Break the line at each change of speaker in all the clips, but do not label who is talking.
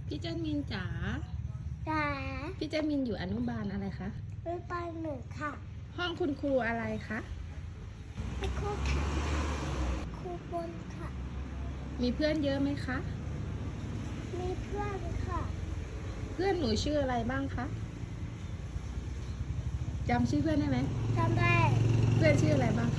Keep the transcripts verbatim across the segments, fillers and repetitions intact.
พี่เจมินจ๋า
จ๋า
พี่เจมินอยู่อนุบาลอะไรคะ
อนุบาลหนึ่งค่ะ
ห้องคุณครูอะไรคะ
ครูค่ะครูบนค่ะ
มีเพื่อนเยอะไหมคะ
มีเพื่อนค่ะ
เพื่อนหนูชื่ออะไรบ้างคะจำชื่อเพื่อนได้ไหม
จำได้
เพื่อนชื่ออะไรบ้างคะ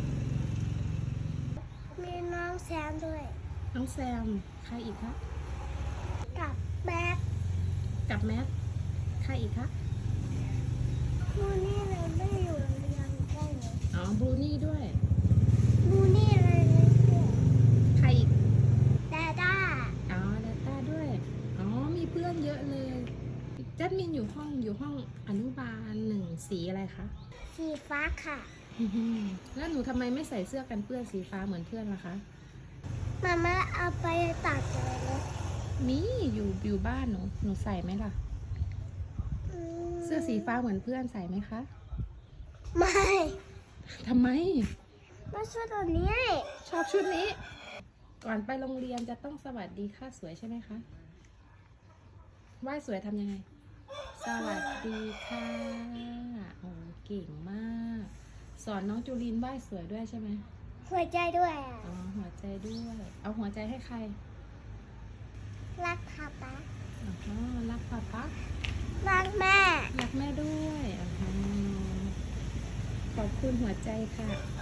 มีน้องแซมด้วย
น้องแซม ใครอีกคะ
กับแบ๊ก
กับแมท ใครอีกคะ
มูนี่เลยไม่อยู่โรงเรียนได้เลย
อ๋อบรูนี่ด้วย
มูนี่เลยไม่เชื่อ
ใครอีก
ดาด้า
อ๋อดาต้าด้วย อ๋อ มีเพื่อนเยอะเลยจัดมินอยู่ห้องอยู่ห้องอนุบาลหนึ่งสีอะไรคะ
สีฟ้าค่ะ
แล้วหนูทำไมไม่ใส่เสื้อกันเปื้อนสีฟ้าเหมือนเพื่อนล่ะคะ
มาม่าเอาไปตัดเลยนะ
มีอยู่อยู่บ้านหนูหนูใส่ไหมล่ะ
อืม
เสื้อสีฟ้าเหมือนเพื่อนใส่ไหมคะ
ไม่
ทำไม
ไม่ใช่ตัวนี้
ชอบชุดนี้ ก่อนไปโรงเรียนจะต้องสวัสดีค่ะสวยใช่ไหมคะไหว้สวยทำยังไง สวัสดีค่ะโอ้เก่งมาก สอนน้องจูลินไหว้สวยด้วยใช่ไหม
หัวใจด้วยอ่ะ
อ๋อหัวใจด้วย เอาหัวใจให้ใคร
รักค่ะป๊า
อ๋อรักป๊าป๊า
รักแม่
รักแม่ด้วยอ๋อขอบคุณหัวใจค่ะ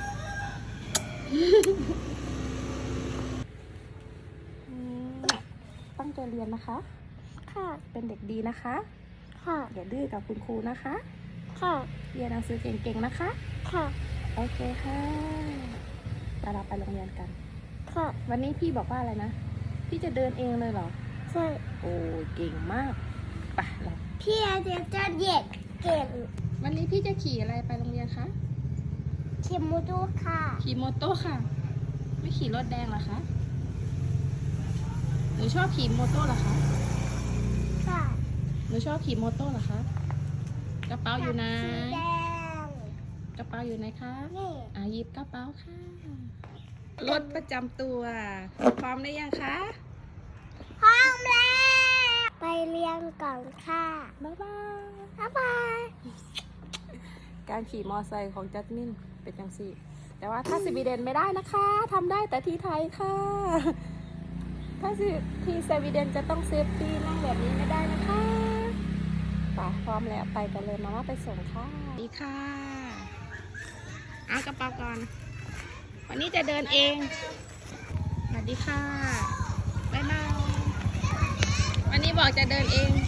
ตั้งใจเรียนนะคะ
ค่ะ
เป็นเด็กดีนะคะ
ค่ะ
อย่าดื้อกับคุณครูนะคะ
ค่ะ
เรียนหนังสือเก่งๆนะคะ
ค่ะ
โอเคค่ะไปเราไปโรงเรียนกัน
ค่ะ
วันนี้พี่บอกว่าอะไรนะ พี่จะเดินเองเลยเหรอ
ใช่
โอ้เก่งมากไปเรา
พี่อาเดียจะเด็กเก่ง
วันนี้พี่จะขี่อะไรไปโรงเรียนคะ
เข็มมูดูค่ะ
ขี่มอเตอร์ค่ะ ไม่ขี่รถแดงเหรอคะ หนูชอบขี่มอเตอร์เหรอคะ
ค่ะ
หนูชอบขี่มอเตอร์เหรอคะ กระเป๋าอยู่ไหน
สีแดง
กระเป๋าอยู่ไหนคะ
นี่
อ่ะหยิบกระเป๋าค่ะ รถประจำตัว พร้อมได้ยังคะ
พร้อมแล้ว ไปเรียนก่อนค่ะ
บ๊ายบาย
บ๊ายบาย
การขี่มอไซค์ของจัสมินเป็นจังสี่ แต่ว่าถ้าสวีเดนไม่ได้นะคะทำได้แต่ที่ไทยค่ะ ถ้าที่สวีเดนจะต้องเซฟตี้นั่งแบบนี้ไม่ได้นะคะไปพร้อมแล้วไปกันเลยมาว่าไปส่งค่ะดีค่ะเอากระเป๋าก่อน วันนี้จะเดินเองสวัสดีค่ะบ๊ายบายวันนี้บอกจะเดินเอง